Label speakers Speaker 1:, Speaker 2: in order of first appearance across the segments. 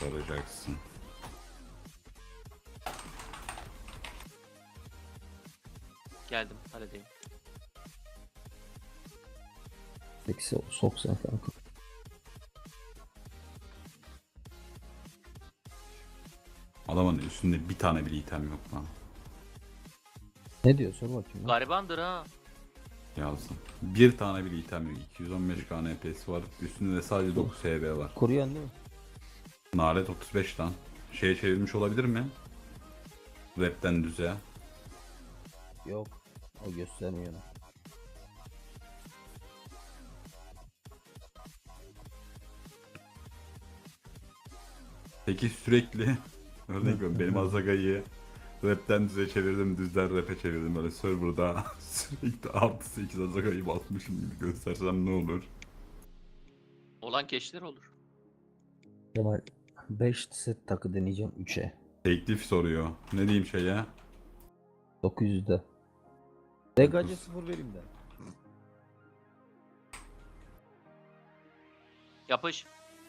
Speaker 1: soracaksın.
Speaker 2: Geldim, halledeyim.
Speaker 3: Eksi soksan kanka.
Speaker 1: Adamın üstünde bir tane bile item yok lan.
Speaker 3: Ne diyor sor bakayım. Lan.
Speaker 2: Garibandır ha.
Speaker 1: Yazdım. Bir tane bile item yok. 215 KNP'si var. Üstünde de sadece 9 HB var.
Speaker 3: Kuruyan değil mi?
Speaker 1: Nalet 35 lan. Şeye çevirmiş olabilir mi? Rap'ten düze.
Speaker 3: Yok. O göstermiyor.
Speaker 1: Peki sürekli örnek veriyorum benim Azaga'yı rap'ten düze çevirdim, düzden rap'e çevirdim. Böyle serverda sürekli artı 8 Azaga'yı basmışım gibi göstersem ne olur?
Speaker 2: Olan keşler olur.
Speaker 3: Kemal 5 set takı deneyeceğim 3'e.
Speaker 1: Teklif soruyor. Ne diyeyim şeye?
Speaker 3: 900'de. Degaca 0 vereyim de.
Speaker 2: Yapış.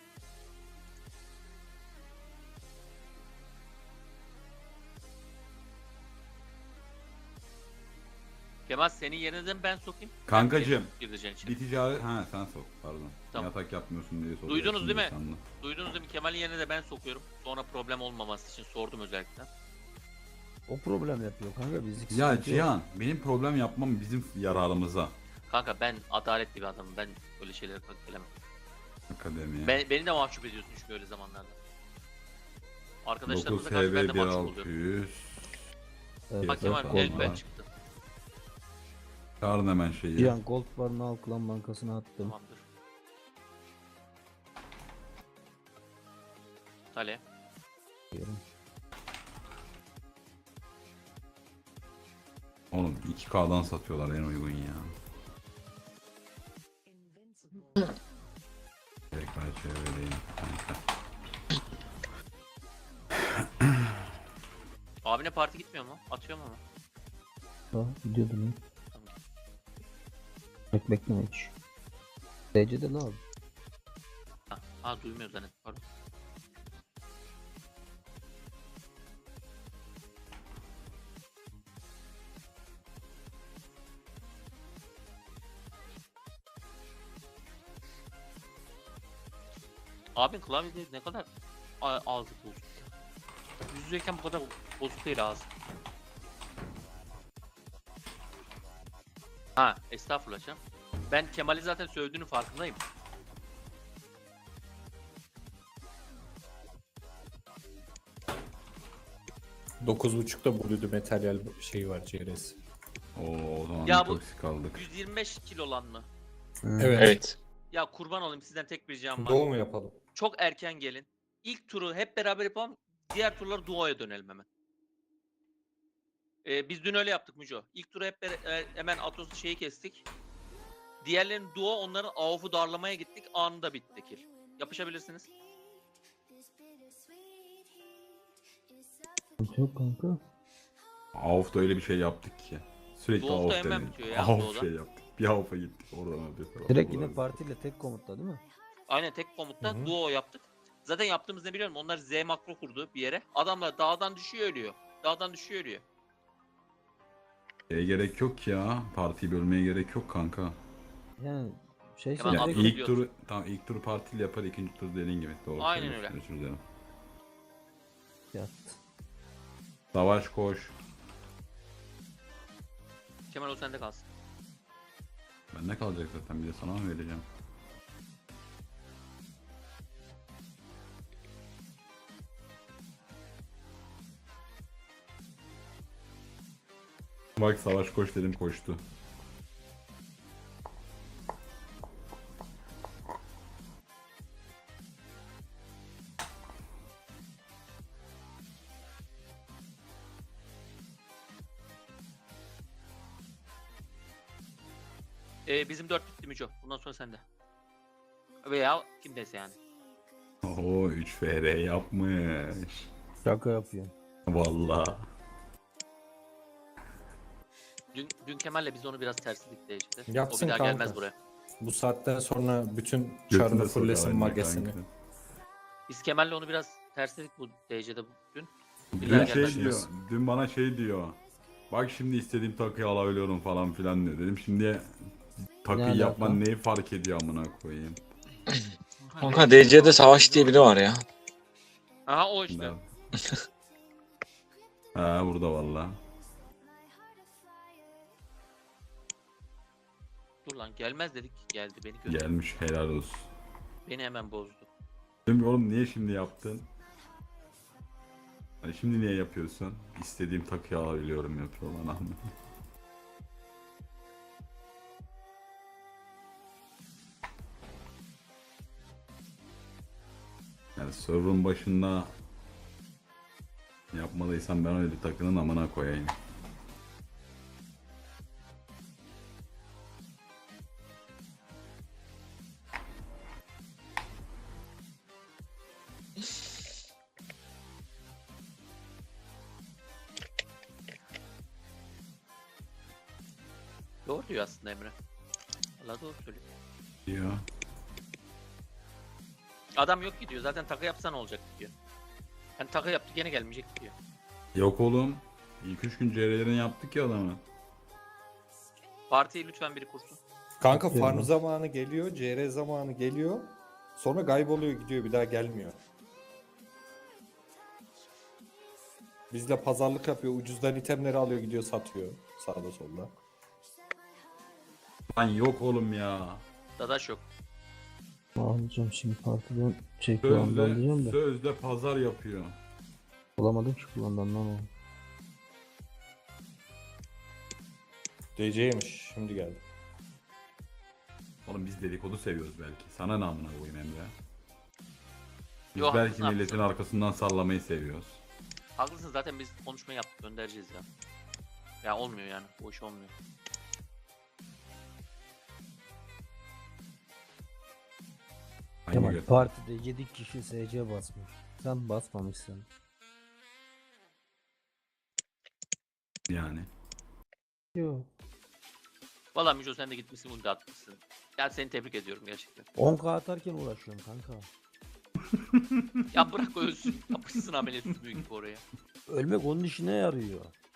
Speaker 2: Kemal senin yerine de mi ben sokayım?
Speaker 1: Kankacım.
Speaker 2: Gireceksin içeri.
Speaker 1: Bir ticari... Ha sen sok pardon.
Speaker 2: Tamam.
Speaker 1: Yatak yapmıyorsun diye soruyorsun.
Speaker 2: Duydunuz değil mi?
Speaker 1: sandım.
Speaker 2: Duydunuz değil mi? Kemal'in yerine de ben sokuyorum. Sonra problem olmaması için sordum özellikle.
Speaker 3: O problem yapıyor kanka bizlik
Speaker 1: Ya
Speaker 3: sıkıntı yok.
Speaker 1: Cihan benim problem yapmam bizim yararımıza.
Speaker 2: Kanka ben adaletli bir adamım. Ben öyle şeylere gelemem.
Speaker 1: Akademiye.
Speaker 2: Beni de mahcup ediyorsun çünkü öyle zamanlarda.
Speaker 1: 9
Speaker 2: Arkadaşlarımıza karşı ben de
Speaker 1: HB
Speaker 2: mahcup oluyorum.
Speaker 1: 1600.
Speaker 3: Evet,
Speaker 2: Bak Kemal
Speaker 1: Gold
Speaker 2: el ben
Speaker 1: var.
Speaker 2: çıktı.
Speaker 1: Çağırın hemen şeyi.
Speaker 3: Cihan Gold barını al klan bankasına attım.
Speaker 2: Tamamdır. Tale.
Speaker 3: Diyorum.
Speaker 1: Oğlum 2K'dan satıyorlar en uygun ya. Tekrar çevireyim.
Speaker 2: Abine parti gitmiyor mu? Atıyor mu?
Speaker 3: Ha gidiyordum ya.
Speaker 2: Tamam.
Speaker 3: Bekleme hiç. DC'de ne abi?
Speaker 2: Ha duymuyor zannettim. Pardon. Abin klavyede ne kadar ağzı bozuk ya. Yüz yüzeyken bu kadar bozuk değil ağzı. Ha estağfurullah canım. Ben Kemal'i zaten sövdüğünün farkındayım.
Speaker 4: Dokuz buçukta Blue materyal şeyi var CRS.
Speaker 1: Oo, o zaman
Speaker 2: Ya
Speaker 1: bir
Speaker 2: bu-
Speaker 1: toksik aldık.
Speaker 2: 125 kilo olan mı?
Speaker 4: Evet.
Speaker 2: Ya kurban olayım sizden tek bir ricam var.
Speaker 4: Doğu mu yapalım?
Speaker 2: Çok erken gelin. İlk turu hep beraber yapalım. Diğer turları duo'ya dönelim hemen. Biz dün öyle yaptık Müco. İlk turu hep hemen Atos'un şeyi kestik. Diğerlerini duo, onların AWP'u darlamaya gittik. Anında bitti kill. Yapışabilirsiniz.
Speaker 3: Yok kanka.
Speaker 1: Avf'da öyle bir şey yaptık ki. Sürekli
Speaker 2: Doğuf'ta
Speaker 1: Avf
Speaker 2: hemen
Speaker 1: denedik.
Speaker 2: bitiyor ya,
Speaker 1: Avf
Speaker 2: Doğu'da.
Speaker 1: şey yaptık. Bir Avf'a gittik oradan öbür tarafa.
Speaker 3: Direkt yine
Speaker 1: Oradan-
Speaker 3: partiyle tek komutta değil mi?
Speaker 2: Aynen tek komutta
Speaker 4: Hı hı.
Speaker 2: duo yaptık. Zaten yaptığımız ne biliyorum? Onlar Z makro kurdu bir yere. Adamlar dağdan düşüyor ölüyor. Dağdan düşüyor ölüyor.
Speaker 1: Şeye gerek yok ya. Partiyi bölmeye gerek yok kanka.
Speaker 3: Yani şey
Speaker 2: Hemen
Speaker 1: Ya
Speaker 2: Avf'ı
Speaker 3: direkt-
Speaker 1: ilk
Speaker 2: biliyorsun.
Speaker 1: turu tamam ilk turu partiyle yapar, ikinci tur dediğin gibi. Doğru
Speaker 2: Aynen
Speaker 1: söylüyorsun,
Speaker 2: öyle.
Speaker 1: özür dilerim.
Speaker 3: yattı.
Speaker 1: Savaş koş.
Speaker 2: Kemal o sende kalsın.
Speaker 1: Ben ne kalacak zaten bir de sana mı vereceğim? Bak savaş koş dedim koştu.
Speaker 2: Bizim 4 bitti Müco. Bundan sonra sende. Veya kimdeyse yani.
Speaker 1: Oo 3 FR yapmış.
Speaker 3: Şaka yapıyor.
Speaker 1: Vallahi.
Speaker 2: Dün Kemal'le biz onu biraz tersledik derecede. O
Speaker 4: Yapsın
Speaker 2: bir daha
Speaker 4: kanka.
Speaker 2: gelmez buraya.
Speaker 4: Bu saatten sonra bütün
Speaker 1: Götüne
Speaker 4: çarını
Speaker 1: sokar
Speaker 4: fullesin
Speaker 1: aynen
Speaker 4: magesini.
Speaker 1: kanka.
Speaker 2: Biz Kemal'le onu biraz tersledik bu DC'de bugün.
Speaker 1: Dün
Speaker 2: Biriler
Speaker 1: şey
Speaker 2: gelmez.
Speaker 1: diyor. Dün bana şey diyor. Bak şimdi istediğim takıyı alabiliyorum falan filan diyor. Dedim şimdi takıyı
Speaker 3: alaka?
Speaker 1: yapman neyi fark ediyor amına koyayım.
Speaker 5: Kanka DC'de Savaş diye biri var ya.
Speaker 2: Aha o işte.
Speaker 1: Ha burada valla.
Speaker 2: Dur lan gelmez dedik geldi beni gördü.
Speaker 1: Gelmiş helal olsun.
Speaker 2: Beni hemen bozdu.
Speaker 1: Dedim ki, oğlum niye şimdi yaptın? Hani şimdi niye yapıyorsun? İstediğim takıyı alabiliyorum yapıyor bana. Yani server'ın başında yapmadıysam ben öyle bir takının amına koyayım.
Speaker 2: Doğru diyor aslında Emre. Valla doğru söylüyor.
Speaker 1: Diyor.
Speaker 2: Adam yok gidiyor zaten takı yapsan olacak diyor. Yani takı yaptı gene gelmeyecek diyor.
Speaker 1: Yok oğlum. İlk 3 gün CR'lerini yaptık ya adamı.
Speaker 2: Partiyi lütfen biri kursun.
Speaker 4: Kanka
Speaker 3: Bakıyorum
Speaker 4: farm
Speaker 3: ben.
Speaker 4: zamanı geliyor, CR zamanı geliyor. Sonra kayboluyor gidiyor, bir daha gelmiyor. Bizle pazarlık yapıyor, ucuzdan itemleri alıyor gidiyor satıyor. Sağda solda.
Speaker 1: Lan yok oğlum ya.
Speaker 2: Dadaş yok.
Speaker 3: Alacağım şimdi partiden kullandan
Speaker 1: Sözde,
Speaker 3: diyeceğim de.
Speaker 1: sözde pazar yapıyor.
Speaker 3: Bulamadım ki kullandan lan o.
Speaker 4: DC'ymiş, şimdi geldi.
Speaker 1: Oğlum biz dedikodu seviyoruz belki. Sana ne amına koyayım Emre? Biz
Speaker 2: Yo,
Speaker 1: belki
Speaker 2: haklısın,
Speaker 1: milletin
Speaker 2: haklısın.
Speaker 1: arkasından sallamayı seviyoruz.
Speaker 2: Haklısın zaten biz konuşma yaptık göndereceğiz ya. Ya olmuyor yani bu iş olmuyor.
Speaker 1: Aynı
Speaker 3: Kemal
Speaker 1: göt.
Speaker 3: partide 7 kişi SC basmış. Sen basmamışsın.
Speaker 1: Yani.
Speaker 3: Yok.
Speaker 2: Valla Müco sen de gitmişsin ulti atmışsın. Ya seni tebrik ediyorum gerçekten.
Speaker 3: 10k atarken uğraşıyorum kanka.
Speaker 2: Ya bırak ölsün. Yapışsın ameliyat sümüğü gibi oraya.
Speaker 3: Ölmek onun işine yarıyor.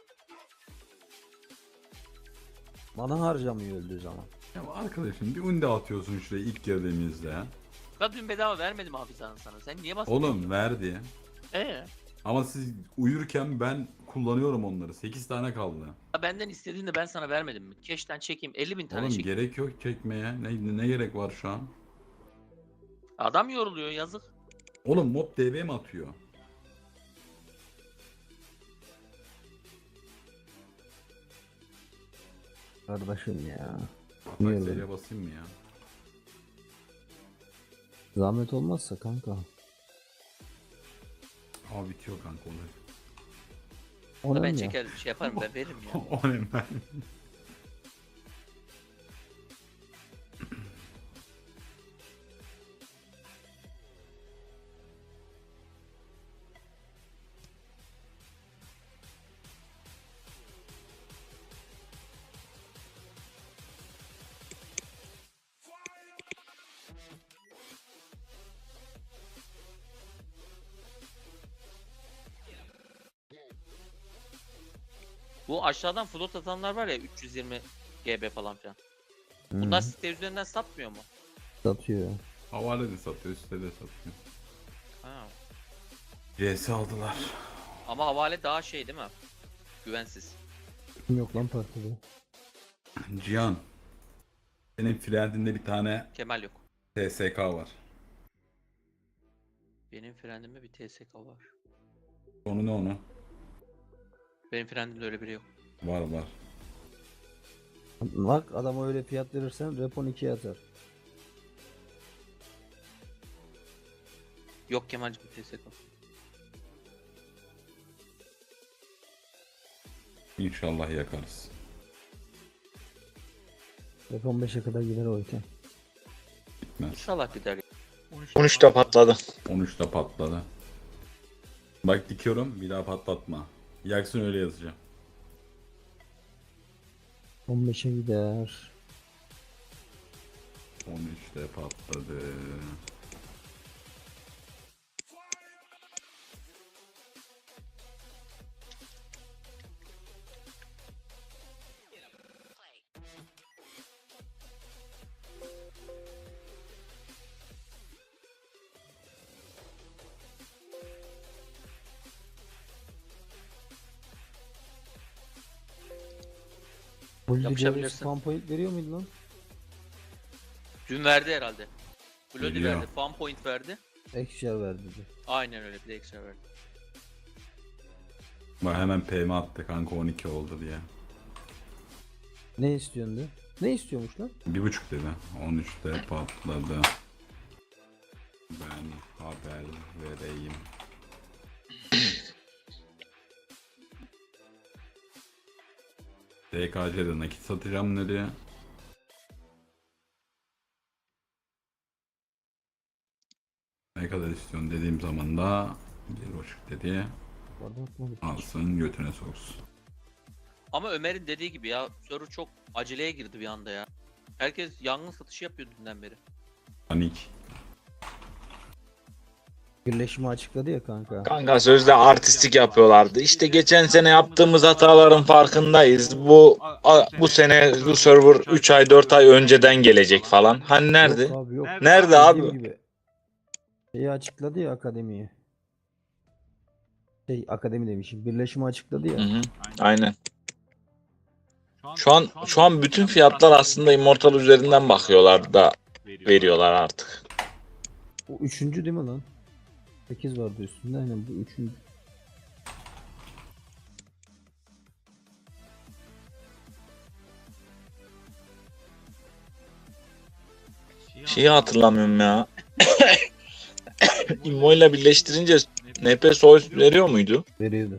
Speaker 3: Mana harcamıyor öldüğü zaman.
Speaker 1: Ya arkadaşım bir undi atıyorsun şuraya ilk girdiğimizde.
Speaker 2: Ya dün bedava vermedim Hafize Hanım sana. Sen niye bastın?
Speaker 1: Oğlum verdi.
Speaker 2: Ya
Speaker 1: Ama siz uyurken ben kullanıyorum onları. 8 tane kaldı.
Speaker 2: benden istediğinde ben sana vermedim mi? Keşten çekeyim 50.000 tane
Speaker 1: Oğlum
Speaker 2: çekeyim.
Speaker 1: gerek yok çekmeye. Ne gerek var şu an?
Speaker 2: Adam yoruluyor yazık.
Speaker 1: Oğlum mob DB mi atıyor?
Speaker 3: Kardeşim ya.
Speaker 1: Bak
Speaker 3: Niye öyle?
Speaker 1: seriye basayım mı ya?
Speaker 3: Zahmet olmazsa kanka.
Speaker 1: Aa bitiyor kanka olay.
Speaker 3: Ona
Speaker 2: Ben
Speaker 3: ya.
Speaker 2: çeker şey yaparım ben veririm ya.
Speaker 1: O ne ben?
Speaker 2: Bu aşağıdan float atanlar var ya 320 GB falan filan.
Speaker 3: Hı,
Speaker 2: Bunlar site üzerinden satmıyor mu?
Speaker 3: satıyor.
Speaker 1: Havale de satıyor, üstte de satıyor.
Speaker 2: Ha.
Speaker 1: CS aldılar.
Speaker 2: Ama havale daha şey değil mi? Güvensiz.
Speaker 3: Kim yok lan partide?
Speaker 1: Cihan. Senin friendinde bir tane
Speaker 2: Kemal yok.
Speaker 1: TSK var.
Speaker 2: Benim frendimde bir TSK var.
Speaker 1: Onu ne onu?
Speaker 2: Benim frendimde öyle biri yok.
Speaker 1: Var var.
Speaker 3: Bak adama öyle fiyat verirsen repon 2'ye atar.
Speaker 2: Yok Kemal'cim bir TSK.
Speaker 1: İnşallah yakarız.
Speaker 3: Repon 5'e kadar gider o iken.
Speaker 1: Gitmez.
Speaker 2: İnşallah gider.
Speaker 5: 13'te patladı.
Speaker 1: 13'te patladı. Bak dikiyorum bir daha patlatma. Yaksın öyle yazacağım.
Speaker 3: 15'e gider.
Speaker 1: 13'te patladı.
Speaker 3: Bu ligde
Speaker 2: Yapışabilirsin.
Speaker 3: spam point veriyor muydu lan?
Speaker 2: Dün verdi herhalde. Bloody
Speaker 1: Veriyor.
Speaker 2: verdi. Fan point verdi.
Speaker 3: Ekşer verdi dedi.
Speaker 2: Aynen öyle. Bir de ekstra verdi.
Speaker 1: Bak hemen PM attı kanka 12 oldu diye.
Speaker 3: Ne istiyorsun de? Ne istiyormuş lan?
Speaker 1: 1.5 dedi. 13'te patladı. Ben haber vereyim. DKC'de nakit satacağım nereye? Ne kadar istiyorsun dediğim zaman da 1.5 dedi.
Speaker 3: Pardon aklıma gitti.
Speaker 1: Alsın götüne soksun.
Speaker 2: Ama Ömer'in dediği gibi ya. Soru çok aceleye girdi bir anda ya. Herkes yangın satışı yapıyor dünden beri.
Speaker 1: Panik.
Speaker 3: Birleşimi açıkladı ya kanka.
Speaker 5: Kanka sözde artistik yapıyorlardı. İşte geçen sene yaptığımız hataların farkındayız. Bu sene bu server 3 ay 4 ay önceden gelecek falan. Hani nerede?
Speaker 3: Yok abi yok.
Speaker 5: Nerede
Speaker 3: Dediğim
Speaker 5: abi?
Speaker 3: gibi. Şeyi açıkladı ya akademiyi. Akademi demişim. Birleşimi açıkladı ya.
Speaker 5: Hı hı, aynen. Şu an bütün fiyatlar aslında Immortal üzerinden bakıyorlar da veriyorlar artık.
Speaker 3: O üçüncü değil mi lan? 8 vardı üstünde. Aynen bu üçüncü.
Speaker 5: Şeyi hatırlamıyorum ya. Immo ile birleştirince NP Source veriyor muydu?
Speaker 3: Veriyordu.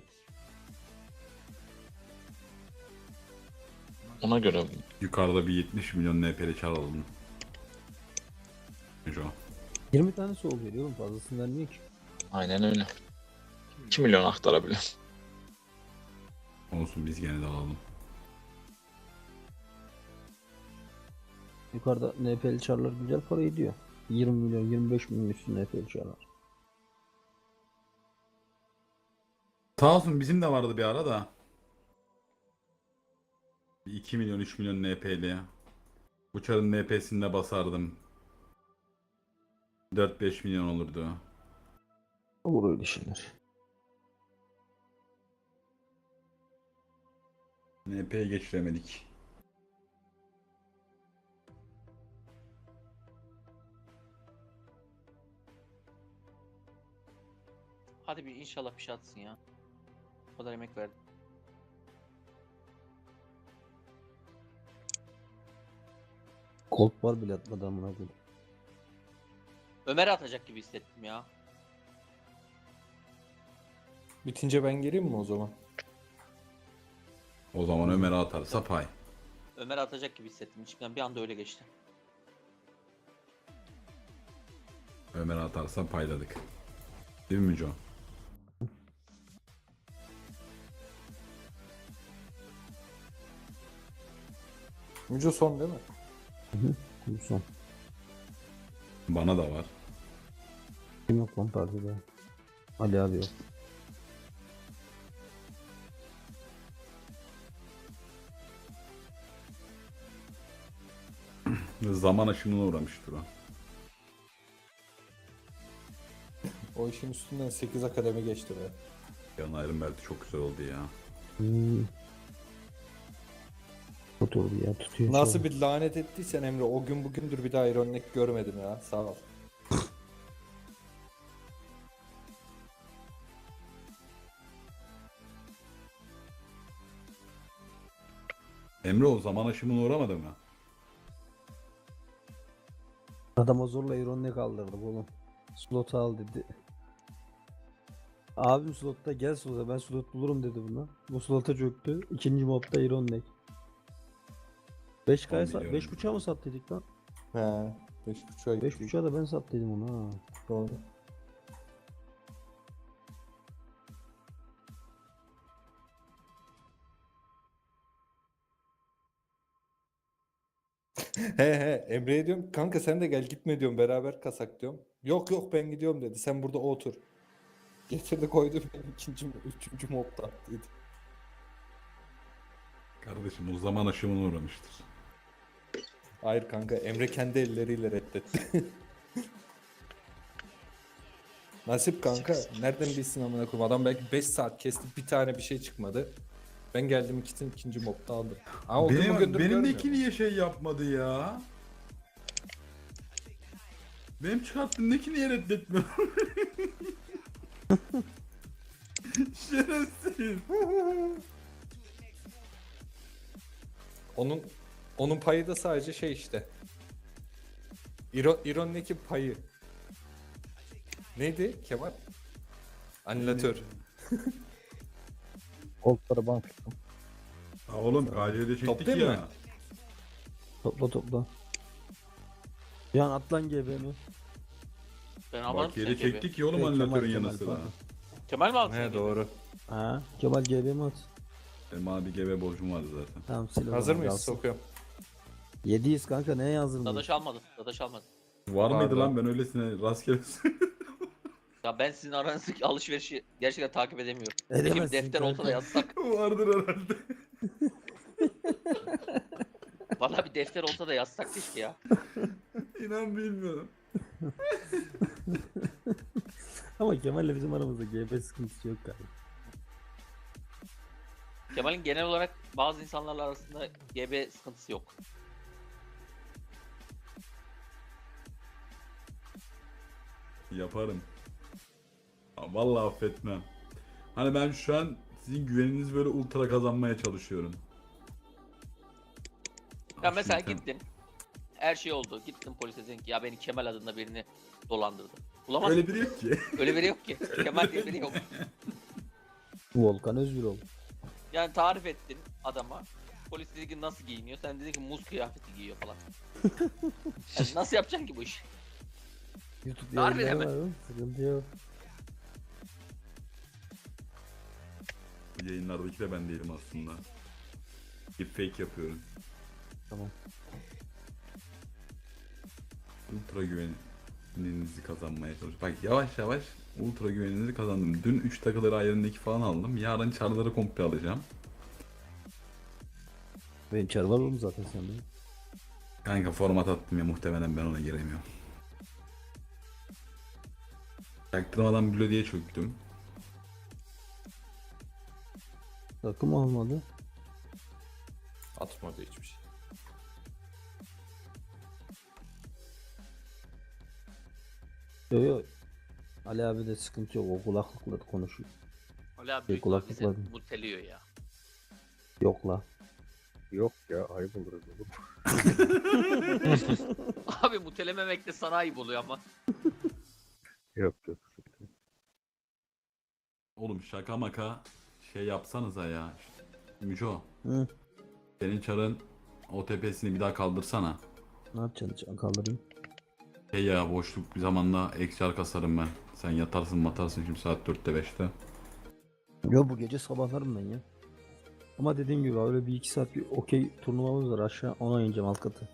Speaker 5: Ona göre.
Speaker 1: Yukarıda bir 70 milyon NP'li çalalım. Şu.
Speaker 3: 20 tane soğuk veriyor oğlum. Fazlasını vermiyor ki.
Speaker 5: Aynen öyle. 2 milyon aktarabilir.
Speaker 1: Olsun biz gene de alalım.
Speaker 3: Yukarıda NPL çarlar güzel para ediyor. 20 milyon 25 milyon üstü NPL çarlar.
Speaker 1: Sağ olsun bizim de vardı bir ara da. 2 milyon 3 milyon NP'li. Uçarın NP'sinde basardım. 4-5 milyon olurdu.
Speaker 3: Olur öyle şeyler.
Speaker 1: NP'ye geçiremedik.
Speaker 2: Hadi bir inşallah bir şey atsın ya. O kadar emek verdi.
Speaker 3: Colt var bile atmadı amına koyayım.
Speaker 2: Ömer atacak gibi hissettim ya.
Speaker 4: Bitince ben geleyim mi o zaman?
Speaker 1: O zaman Ömer'e atarsa pay.
Speaker 2: Ömer atacak gibi hissettim. İçimden bir anda öyle geçti.
Speaker 1: Ömer'e atarsa payladık. Değil mi John?
Speaker 4: Müco son değil mi?
Speaker 3: Bu son.
Speaker 1: Bana da var.
Speaker 3: Kim yok lan partide? Ali abi yok.
Speaker 1: Zaman aşımına uğramıştır o.
Speaker 4: O işin üstünden 8 akademi geçti be.
Speaker 1: Yan Iron Belt'i çok güzel oldu ya.
Speaker 3: Oturdu ya tutuyor.
Speaker 4: Nasıl bir lanet ettiysen Emre o gün bugündür bir daha Iron Neck görmedim ya. Sağ ol.
Speaker 1: Emre o zaman aşımına uğramadı mı?
Speaker 3: Adama zorla ironine kaldırdık oğlum. Slot al dedi. Abim slotta gel slota ben slot bulurum dedi buna. Bu slota çöktü. İkinci mobda ironik. 5K'ya
Speaker 1: Onu biliyorum.
Speaker 3: 5.5'a mı sattıydık lan?
Speaker 4: He. 5.5'a gitti.
Speaker 3: 5.5'a da ben sattıydım onu ha.
Speaker 4: Doğru. He Emre'ye diyorum kanka sen de gel gitme diyorum beraber kasak diyorum. Yok yok ben gidiyorum dedi sen burada otur. Getirdi koydu beni üçüncü mobda dedi.
Speaker 1: Kardeşim o zaman aşımına uğramıştır.
Speaker 4: Hayır kanka Emre kendi elleriyle reddetti. Nasip kanka nereden bilsin amına koyayım adam belki 5 saat kesti bir tane bir şey çıkmadı. Ben geldim ikinci mobda aldım. Ama o gün
Speaker 1: Benim,
Speaker 4: bugündür
Speaker 1: benimdeki
Speaker 4: görmüyorum.
Speaker 1: niye şey yapmadı ya? Benim çıkarttığımdaki niye reddetmiyor? Şerefsiz.
Speaker 4: Onun payı da sadece şey işte. İron'daki payı. Neydi Kemal? Anülatör.
Speaker 3: Koltuklara bank tuttum.
Speaker 1: Ha oğlum KC'de çektik
Speaker 4: Toplayayım
Speaker 1: ya.
Speaker 4: mı?
Speaker 3: Topla topla. Yan atlan GB'mi.
Speaker 2: Ben almadım
Speaker 1: Bakiye'de
Speaker 2: seni gibi.
Speaker 1: çektik ya oğlum
Speaker 3: Kemal,
Speaker 1: anülatörün
Speaker 3: Kemal,
Speaker 1: yanı sıra.
Speaker 3: pardon.
Speaker 2: Kemal mi aldın
Speaker 4: He
Speaker 2: seni gibi?
Speaker 4: doğru.
Speaker 3: Ha, Kemal GB'mi at.
Speaker 1: Benim bana bir GB borcum vardı zaten.
Speaker 3: Tamam sil o
Speaker 4: Hazır
Speaker 3: zaman,
Speaker 4: mıyız?
Speaker 3: kalsın.
Speaker 4: Sokuyorum.
Speaker 3: 700 kanka neye yazdın?
Speaker 2: Dadaş almadım. Dadaş almadım.
Speaker 1: Var mıydı
Speaker 4: Pardon.
Speaker 1: lan ben öylesine rastgele
Speaker 2: Ya ben sizin aranızdaki alışverişi gerçekten takip edemiyorum.
Speaker 3: Edemezsin
Speaker 2: Kim defter olsa da
Speaker 3: kanka.
Speaker 2: yazsak.
Speaker 1: vardır herhalde.
Speaker 2: Valla bir defter olsa da yazsak keşke ya.
Speaker 1: İnan bilmiyorum.
Speaker 3: Ama Kemal'le bizim aramızda GB sıkıntısı yok galiba.
Speaker 2: Kemal'in genel olarak bazı insanlarla arasında GB sıkıntısı yok.
Speaker 1: Yaparım. Ha, vallahi affetmem. Hani ben şu an sizin güveninizi böyle ultra kazanmaya çalışıyorum.
Speaker 2: Ya
Speaker 1: Ah,
Speaker 2: mesela
Speaker 1: şimdi
Speaker 2: gittin. Her şey oldu. Gittin polise dedin ki ya beni Kemal adında birini dolandırdı. Bulamazsın.
Speaker 1: öyle biri yok ki.
Speaker 2: Öyle biri yok ki. Kemal diye biri yok.
Speaker 3: Volkan Özgürol.
Speaker 2: Yani tarif ettin adama. Polis dedi ki nasıl giyiniyor? Sen dedin ki muz kıyafeti giyiyor falan. Yani nasıl yapacaksın ki bu işi?
Speaker 3: YouTube
Speaker 2: Harbi
Speaker 3: yayınları
Speaker 2: hemen.
Speaker 3: var oğlum, sıkıntı yok.
Speaker 1: Bu yayınlardaki de ben değilim aslında. Deepfake yapıyorum.
Speaker 3: Tamam.
Speaker 1: Ultra güveninizi kazanmaya çalışıyorum. Bak yavaş yavaş ultra güveninizi kazandım. Dün 3 takıları ayarındaki falan aldım. Yarın çarları komple alacağım.
Speaker 3: Benim çar var oğlum zaten sende.
Speaker 1: Kanka format attım ya muhtemelen ben ona giremiyorum. Çaktırmadan Blödi'ye çöktüm.
Speaker 3: Takım almadı.
Speaker 4: Atmadı hiçbir şey.
Speaker 3: Yok yok. Ali abi de sıkıntı yok. O kulaklıkla konuşuyor.
Speaker 2: Öyle abi
Speaker 3: Bir
Speaker 2: büyük ihtimal
Speaker 3: kulaklık
Speaker 2: bizi
Speaker 3: var.
Speaker 2: muteliyor ya.
Speaker 3: Yok la.
Speaker 6: Yok ya ayıp olur oğlum.
Speaker 2: Abi mutelememek de sana ayıp oluyor ama.
Speaker 6: Yok yok.
Speaker 1: Oğlum şaka maka şey yapsanıza ya. Müco
Speaker 3: Hı.
Speaker 1: senin çarın OTP'sini bir daha kaldırsana.
Speaker 3: Ne yapacaksın? Kaldırayım.
Speaker 1: Şey ya boşluk bir zamanda XR kasarım ben. Sen yatarsın matarsın şimdi saat 4'te 5'te.
Speaker 3: Yo bu gece sabahlarım ben ya. Ama dediğim gibi öyle bir iki saat bir okey turnuvamız var aşağı ona ineceğim alt katı.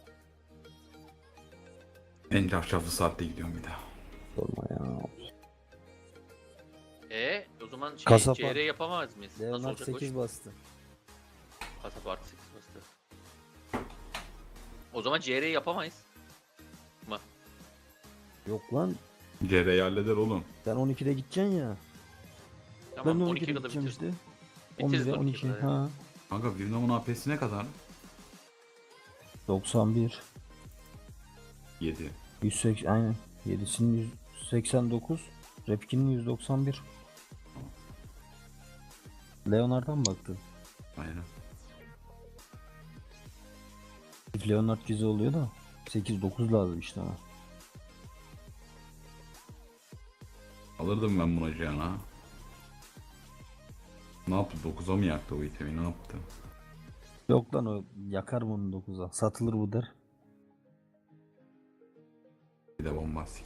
Speaker 1: En cafcaflı saatte gidiyorum bir daha.
Speaker 3: Sorma ya.
Speaker 2: O zaman şey,
Speaker 3: Kasap
Speaker 2: CR yapamaz mıyız? Nasıl
Speaker 3: Leonard
Speaker 2: olacak
Speaker 3: 8 bastı.
Speaker 2: Kasap artı 8 bastı. O zaman CR yapamayız. Mı?
Speaker 3: Yok lan
Speaker 1: CR'yi halleder oğlum.
Speaker 3: sen 12'de gideceksin ya.
Speaker 2: Tamam
Speaker 3: Ben de
Speaker 2: 12'ye
Speaker 3: 12'de
Speaker 2: kadar
Speaker 3: gideceğim
Speaker 2: bitiririz.
Speaker 3: işte.
Speaker 2: Bitiririz
Speaker 3: 11'e
Speaker 2: 12'ye
Speaker 3: 12.
Speaker 2: kadar.
Speaker 3: Ha.
Speaker 1: Kanka Vietnam'ın AP'si ne kadar?
Speaker 3: 91.
Speaker 1: 7.
Speaker 3: 180 aynen. 7'sinin 189. Repkin'in 191. Leonard'a mı baktın?
Speaker 1: Aynen.
Speaker 3: Leonard gizli oluyor da 8-9 lazım işte ama.
Speaker 1: Alırdım ben buna Cihan'a. Ne yaptı? 9'a mı yaktı o itemi? Ne yaptı?
Speaker 3: Yok lan o yakar bunu 9'a. Satılır bu der.
Speaker 1: Bir de bombastik.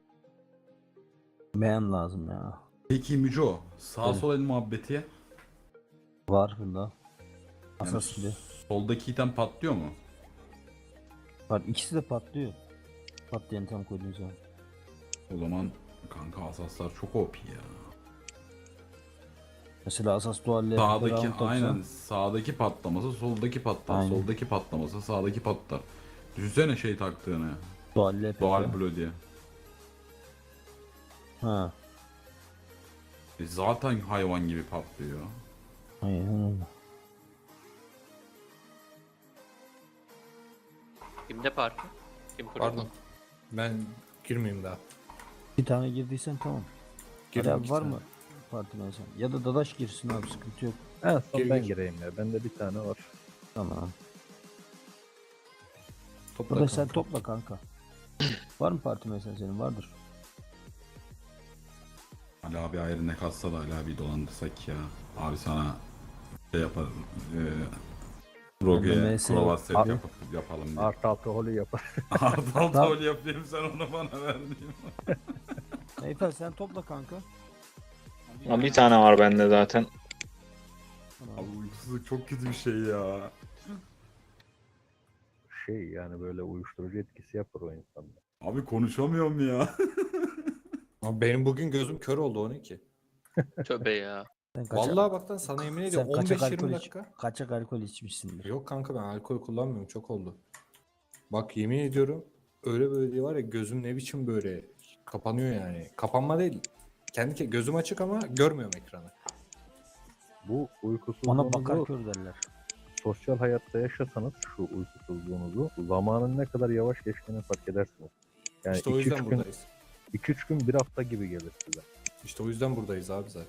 Speaker 3: Beğen lazım ya.
Speaker 1: Peki Müco, sağ
Speaker 3: Evet.
Speaker 1: sol el muhabbeti.
Speaker 3: Var bunda.
Speaker 1: Yani
Speaker 3: Asas gibi.
Speaker 1: soldaki item patlıyor mu?
Speaker 3: Var ikisi de patlıyor. Patlayan tam koyduğun zaman.
Speaker 1: O zaman kanka asaslar çok OP ya.
Speaker 3: Mesela Asas dualle
Speaker 1: Sağdaki aynen sağdaki patlaması soldaki patlar.
Speaker 3: Aynen.
Speaker 1: Soldaki patlaması sağdaki patlar. Düşünsene şey taktığını.
Speaker 3: Dualle
Speaker 1: Doğal Blue diye.
Speaker 3: Ha.
Speaker 1: Zaten hayvan gibi patlıyor.
Speaker 3: Aynen öyle.
Speaker 2: Kimde parti? Kim kurdu?
Speaker 4: Pardon. Ben girmeyeyim daha.
Speaker 3: Bir tane girdiysen tamam.
Speaker 4: Girdim
Speaker 3: Ali abi
Speaker 4: iki
Speaker 3: var
Speaker 4: tane.
Speaker 3: mı parti mesela? Ya da Dadaş girsin abi, sıkıntı yok.
Speaker 6: En son
Speaker 4: Gir,
Speaker 6: ben
Speaker 4: gir.
Speaker 6: gireyim ya. Bende bir tane var.
Speaker 3: Tamam.
Speaker 4: Topla
Speaker 3: Dadaş sen
Speaker 4: kanka.
Speaker 3: topla kanka. Var mı parti mesela senin? Vardır.
Speaker 1: Ali abi ayrı ne katsa da Ali abi dolandırsak ya. Abi sana şey yapar. Roge'ye
Speaker 3: MS
Speaker 1: prova set
Speaker 3: abi.
Speaker 1: yapalım diye.
Speaker 6: Artı holü yapar.
Speaker 1: Ardal
Speaker 3: Tamam.
Speaker 1: tol yapayım sen onu bana ver diyeyim.
Speaker 3: Eyfel sen topla kanka.
Speaker 5: Ama bir tane var bende zaten.
Speaker 3: Tamam.
Speaker 1: Abi uykusuzluk çok kötü bir şey ya.
Speaker 6: Şey yani böyle uyuşturucu etkisi yapar o insanda.
Speaker 1: Abi konuşamıyorum ya.
Speaker 4: Ama benim bugün gözüm kör oldu 12.
Speaker 2: Tövbe ya.
Speaker 3: Sen
Speaker 4: Vallahi bak lan sana yemin ediyorum
Speaker 3: kaçak
Speaker 4: 15-20
Speaker 3: alkol
Speaker 4: dakika.
Speaker 3: kaçak alkol içmişsindir.
Speaker 4: Yok kanka ben alkol kullanmıyorum çok oldu. Bak yemin ediyorum öyle böyle diye var ya gözüm ne biçim böyle kapanıyor yani. Kapanma değil. Gözüm açık ama görmüyorum ekranı.
Speaker 6: Bu
Speaker 3: Ona bakar
Speaker 6: uykusuzluğunuzu
Speaker 3: kör derler.
Speaker 6: sosyal hayatta yaşasanız şu uykusuzluğunuzu zamanın ne kadar yavaş geçtiğini fark edersiniz. Yani
Speaker 4: İşte o
Speaker 6: 2-3
Speaker 4: yüzden
Speaker 6: gün,
Speaker 4: buradayız.
Speaker 6: 2-3 gün bir hafta gibi gelir size.
Speaker 4: İşte o yüzden buradayız abi zaten.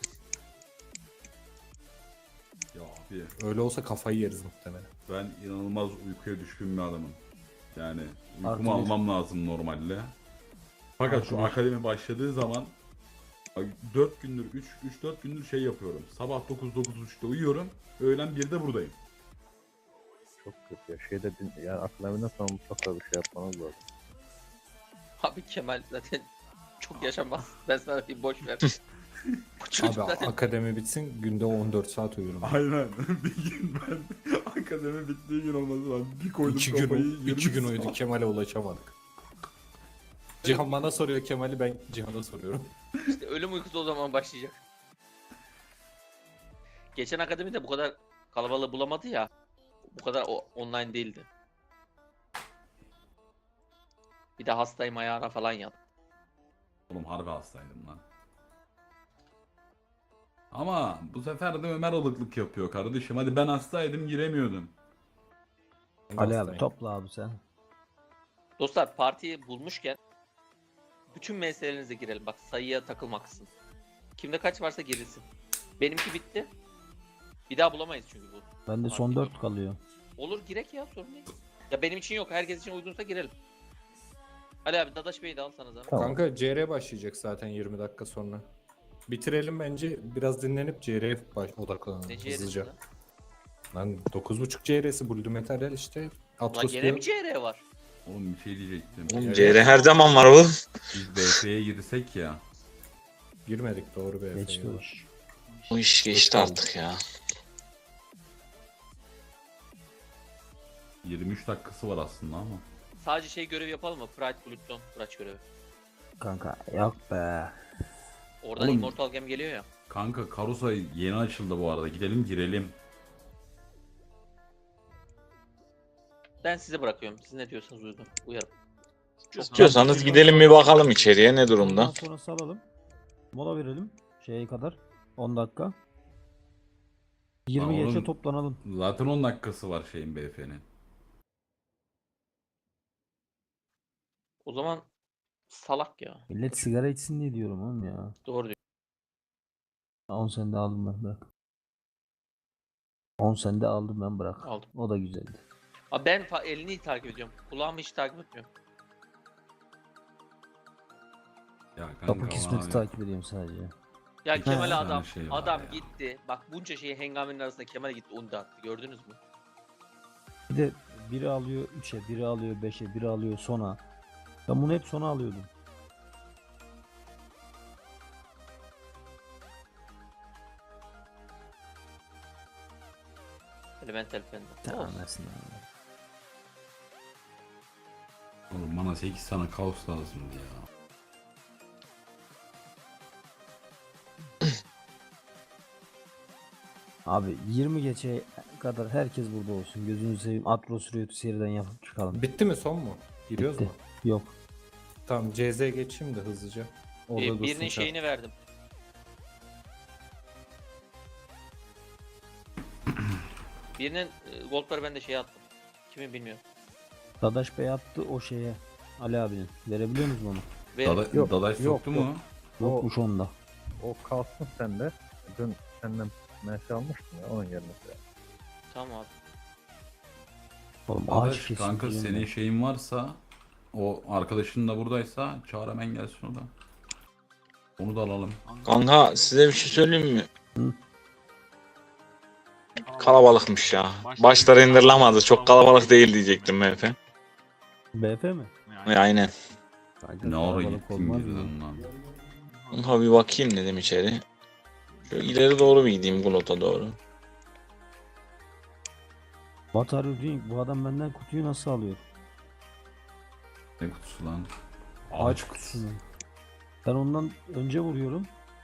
Speaker 1: Ya abi
Speaker 4: Öyle olsa kafayı yeriz muhtemelen.
Speaker 1: ben inanılmaz uykuya düşkün bir adamım. Yani uykumu
Speaker 3: Artı bir.
Speaker 1: almam lazım normalde. Fakat
Speaker 3: Artı
Speaker 1: şu
Speaker 3: bir.
Speaker 1: akademi başladığı zaman 4 gündür 3-4 gündür şey yapıyorum. Sabah 9-9.30'da uyuyorum. Öğlen 1'de buradayım.
Speaker 6: Çok kötü ya. Yani akademiden sonra mutlaka bir şey yapmanız lazım.
Speaker 2: Abi Kemal zaten çok yaşamaz. Ben sana bir boş ver. Bu çocuk
Speaker 4: Abi
Speaker 2: zaten
Speaker 4: akademi bitsin günde 14 saat uyurum.
Speaker 1: Aynen. Bir gün ben akademi bittiği gün olması lazım. Bir koydum
Speaker 4: 2
Speaker 1: kafayı.
Speaker 4: gün, 2 gün
Speaker 1: 20
Speaker 4: uyuduk
Speaker 1: saat.
Speaker 4: Kemal'e ulaşamadık. Cihan bana soruyor Kemal'i ben Cihan'a soruyorum.
Speaker 2: işte ölüm uykusu o zaman başlayacak. Geçen akademide bu kadar kalabalığı bulamadı ya. Bu kadar online değildi. Bir de hastayım ayağına falan yat.
Speaker 1: Oğlum harbi hastaydım lan. Ama bu sefer de Ömer alıklık yapıyor kardeşim. Hadi ben hastaydım giremiyordum.
Speaker 4: Ben de
Speaker 3: Ali abi
Speaker 4: hastayım.
Speaker 3: topla abi sen.
Speaker 2: Dostlar partiyi bulmuşken bütün meselelerinize girelim. Bak sayıya takılmaksın. Kimde kaç varsa girilsin. Benimki bitti. Bir daha bulamayız çünkü bu.
Speaker 3: Bende son
Speaker 2: Fark
Speaker 3: 4 kalıyor.
Speaker 2: Olur girek ya sorun değil. Ya benim için yok. Herkes için uygunsa girelim. Ali abi Dadaş Bey'i de al sana zaman.
Speaker 6: Tamam.
Speaker 4: Kanka CR başlayacak zaten 20 dakika sonra. Bitirelim bence biraz dinlenip CR'ye odaklanalım
Speaker 2: Ne
Speaker 4: hızlıca.
Speaker 2: CR'si
Speaker 4: Lan 9.5 CR'si Blue Materyal işte.
Speaker 2: lan?
Speaker 4: Atlas
Speaker 2: Gene
Speaker 4: diyor.
Speaker 2: mi CR var?
Speaker 1: Oğlum bir şey diyecektim.
Speaker 4: Oğlum,
Speaker 5: CR her zaman var oğlum.
Speaker 1: Biz BF'ye girsek ya.
Speaker 4: Girmedik doğru be.
Speaker 3: Geçti o iş.
Speaker 5: Bu iş geçti artık ya.
Speaker 1: 23 dakikası var aslında ama.
Speaker 2: Sadece şey görevi yapalım mı? Pride Pluton Kıraç görevi.
Speaker 3: Kanka yok be.
Speaker 2: Oradan
Speaker 1: Oğlum-
Speaker 2: Immortal Gem geliyor ya.
Speaker 1: Kanka Karusa yeni açıldı bu arada. Gidelim girelim.
Speaker 2: Ben size bırakıyorum. Siz ne diyorsanız uygun. Uyarım.
Speaker 5: İstiyorsanız gidelim bir bakalım içeriye ne durumda.
Speaker 3: Ondan sonra salalım. Mola verelim. Şeye kadar. 10 dakika. 20
Speaker 1: Aa,
Speaker 3: geçe
Speaker 1: oğlum.
Speaker 3: toplanalım.
Speaker 1: Zaten 10 dakikası var şeyin BF'nin.
Speaker 2: O zaman salak ya.
Speaker 3: Millet sigara içsin diye diyorum oğlum ya.
Speaker 2: Doğru diyor.
Speaker 3: 10 sende aldım ben bırak. 10 sende aldım ben bırak.
Speaker 2: Aldım.
Speaker 3: O da güzeldi.
Speaker 2: Abi ben elini takip ediyorum. Kulağımı hiç takip etmiyorum.
Speaker 1: Ya kanka
Speaker 3: Kapı kismeti
Speaker 1: abi.
Speaker 3: takip ediyorum sadece.
Speaker 2: Ya
Speaker 1: İki
Speaker 2: Kemal
Speaker 1: tane
Speaker 2: adam
Speaker 1: şey var
Speaker 2: adam
Speaker 1: ya.
Speaker 2: gitti. Bak bunca şeyi hengamenin arasında Kemal gitti onu da attı. Gördünüz mü?
Speaker 3: Bir de biri alıyor 3'e, biri alıyor 5'e, biri alıyor sona. Ben bunu hep sona alıyordum.
Speaker 2: Elemental Fender.
Speaker 3: Tamam
Speaker 2: Olsun.
Speaker 3: aslında.
Speaker 1: Oğlum bana 8 tane kaos lazımdı ya.
Speaker 3: Abi 20 geçe kadar herkes burada olsun. Gözünüzü seveyim. Atros Rüyatı seriden yapıp çıkalım.
Speaker 4: Bitti mi son mu? Giriyoruz
Speaker 3: Bitti.
Speaker 4: mu?
Speaker 3: Yok.
Speaker 4: Tamam CZ geçeyim de hızlıca. Orada dursun
Speaker 2: Birinin
Speaker 4: kar.
Speaker 2: şeyini verdim. Birinin goldları ben de şeye attım. Kimi bilmiyorum.
Speaker 3: Dadaş Bey attı o şeye. Ali abinin. Verebiliyor musun onu?
Speaker 2: Ve
Speaker 6: Yok,
Speaker 3: yok,
Speaker 1: Dadaş soktu mu?
Speaker 3: Yokmuş onda.
Speaker 6: O kalsın sende. Dün senden MS almıştım ya onun yerine.
Speaker 2: tamam abi.
Speaker 3: Oğlum ağaç
Speaker 1: Dadaş
Speaker 3: kesin.
Speaker 1: kanka
Speaker 3: diyorum
Speaker 1: senin
Speaker 3: ben.
Speaker 1: şeyin varsa o arkadaşın da buradaysa çağır hemen gelsin o da. Onu da alalım.
Speaker 5: Kanka size bir şey söyleyeyim mi?
Speaker 3: Hı.
Speaker 5: Kalabalıkmış ya. Başları indirlemezdi. Çok kalabalık değil diyecektim MF.
Speaker 3: BF mi?
Speaker 5: Aynen.
Speaker 3: Kanka
Speaker 1: Ne ara
Speaker 3: kalabalık
Speaker 1: gittin
Speaker 3: olmaz mı?
Speaker 1: girdin lan?
Speaker 5: Kanka bir bakayım dedim içeri. Şöyle ileri doğru bir gideyim Glot'a doğru.
Speaker 3: What are you doing? Bu adam benden kutuyu nasıl alıyor?
Speaker 1: Ne kutusu lan?
Speaker 3: Ağaç kutusunu. Ben ondan önce vuruyorum.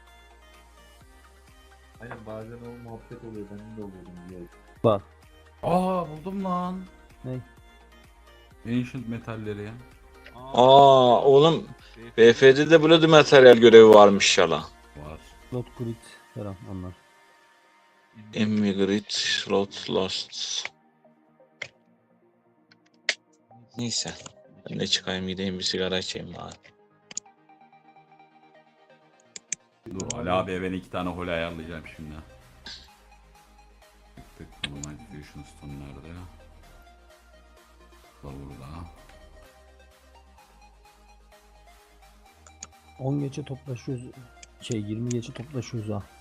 Speaker 7: Aynen bazen o muhabbet oluyor. Benim de oluyor diye.
Speaker 3: Bak.
Speaker 1: Aa buldum lan.
Speaker 3: Ne?
Speaker 1: Ancient metalleri.
Speaker 5: Aa oğlum BF'de de Blood materyal görevi varmış ya la.
Speaker 1: Var.
Speaker 3: Lot grid falan onlar.
Speaker 5: Emigrate Slot Lost. Neyse. Ben de çıkayım gideyim bir sigara içeyim bari.
Speaker 1: Dur Ali abiye ben 2 tane hole ayarlayacağım şimdi. Tık tık normal fusion stone nerede? Bu da burada.
Speaker 3: 10 geçe toplaşıyoruz. 20 geçe toplaşıyoruz ha.